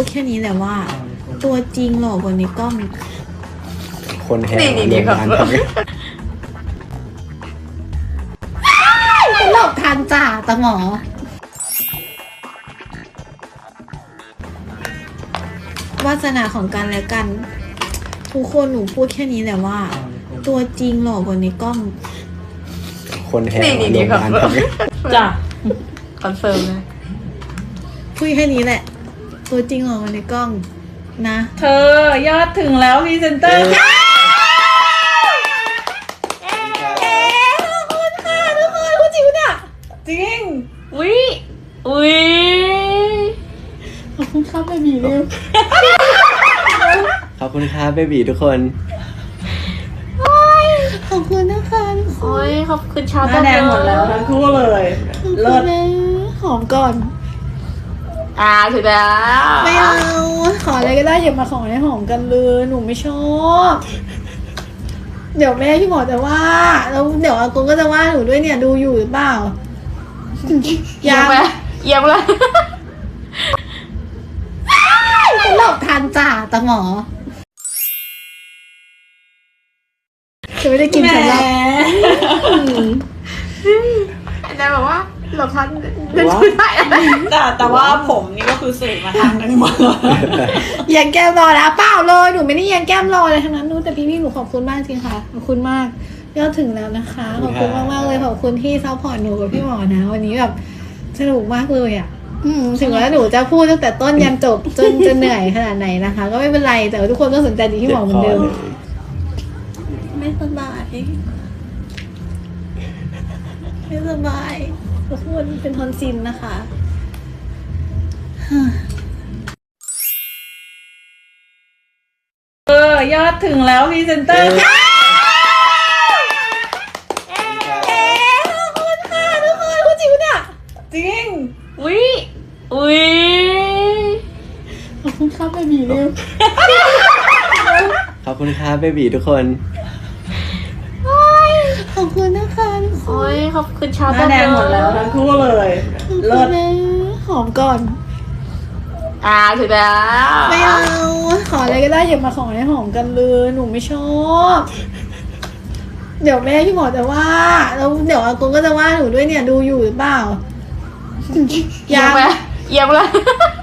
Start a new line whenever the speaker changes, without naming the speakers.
ดแค่นี้แหละว่า ตัวจริงหล่อกว่าในกล้อง
คนแห่
นี่ครับ
หลอกทันจ่าตะหมอวาสนาของกันและกัน ทุกคนหนูพูดแค่นี้แหละว่า ตัวจริงหล่อกว่าในกล้อง
คนแห่
นี่ครับ
จ้ะ
คอนเฟิร์มเลย
พูดแค่นี้แหละ ตัวจริงหล่อกว่าในกล้องนะ
เธอยอดถึงแล้วพรีเซนเตอร์
ขอบคุณค่ะทุกคนคุณจิ๋วเนี่ย
จริง
อุ้ย
ขอบคุณครับเบบีเร็ว
ขอบคุณครับเบบีทุกคน
ขอบคุณนะคะทุกค
โอ้
น
ยขอบคุณชาว
หน้าแดงหมดแล้วทั้งคู่เลย
ขอบ
เลิ
คุ
ศ
ณนะหอมก่อน
ถึงแล้ว
ไม่เอา ขออะไรก็ได้อย่ามาขอให้หอมกันเลยหนูไม่ชอบ เดี๋ยวแม่พี่หมอจะว่าแล้วเดี๋ยวอากงก็จะว่าหนูด้วยเนี่ยดูอยู่หรือเปล่า
เยี่ยมไปเยี่ยมเลย
หลอกทันจ่าตะหมอคือไม่ได้กิน
แหม
ฉันหรอก
อาจารย์บอกว่าหลบทันเป็นชุดไทยอะไร
แต่ว่าผมนี่ก็คือสื่อมาทางนึงหมดเลย
เยียงแก้มรอแล้วเปล่าเลยหนูไม่ได้เยียงแก้มรอเลยทั้งนั้นนู้นแต่พี่หนูขอบคุณมากจริงค่ะขอบคุณมากยอดถึงแล้วนะคะขอบคุณมากๆเลยขอบคุณที่ซัพพอร์ตหนูกับพี่หมอนะวันนี้แบบสนุกมากเลยอ่ะถึงแม้หนูจะพูดตั้งแต่ต้นยันจบจนจะเหนื่อยขนาดไหนนะคะ ก็ไม่เป็นไรแต่ว่าทุกคนก็สนใจดีที่หมอเหมือนเดิมไม่สบายไม่สบายทุกคนเป็นทอนซิลนะคะ
ยอดถึงแล้วพรีเซนเตอร์
ขอบคุณค่ะทุกคนคุณจิ๋วเนี่ย
จริง
อุ้ย
ขอบคุณครับเบบีเร็ว
ขอบคุณครับเบบีทุกคน
ขอบคุณนะคะทุกค
โอ้
น
ยขอบคุณชาว
หน้าแดงหมดแล้วทั้งคู่เลย
ขอบ
เลิ
คุ
ศ
ณนะหอมก่อน
ถึงแล้ว
ไม่เอา ขออะไรก็ได้อย่ามาขอให้หอมกันเลยหนูไม่ชอบ เดี๋ยวแม่พี่หมอจะว่าแล้วเดี๋ยวอากงก็จะว่าหนูด้วยเนี่ยดูอยู่หรือเปล่า
เยี่ยมไปเยี่ยมเลย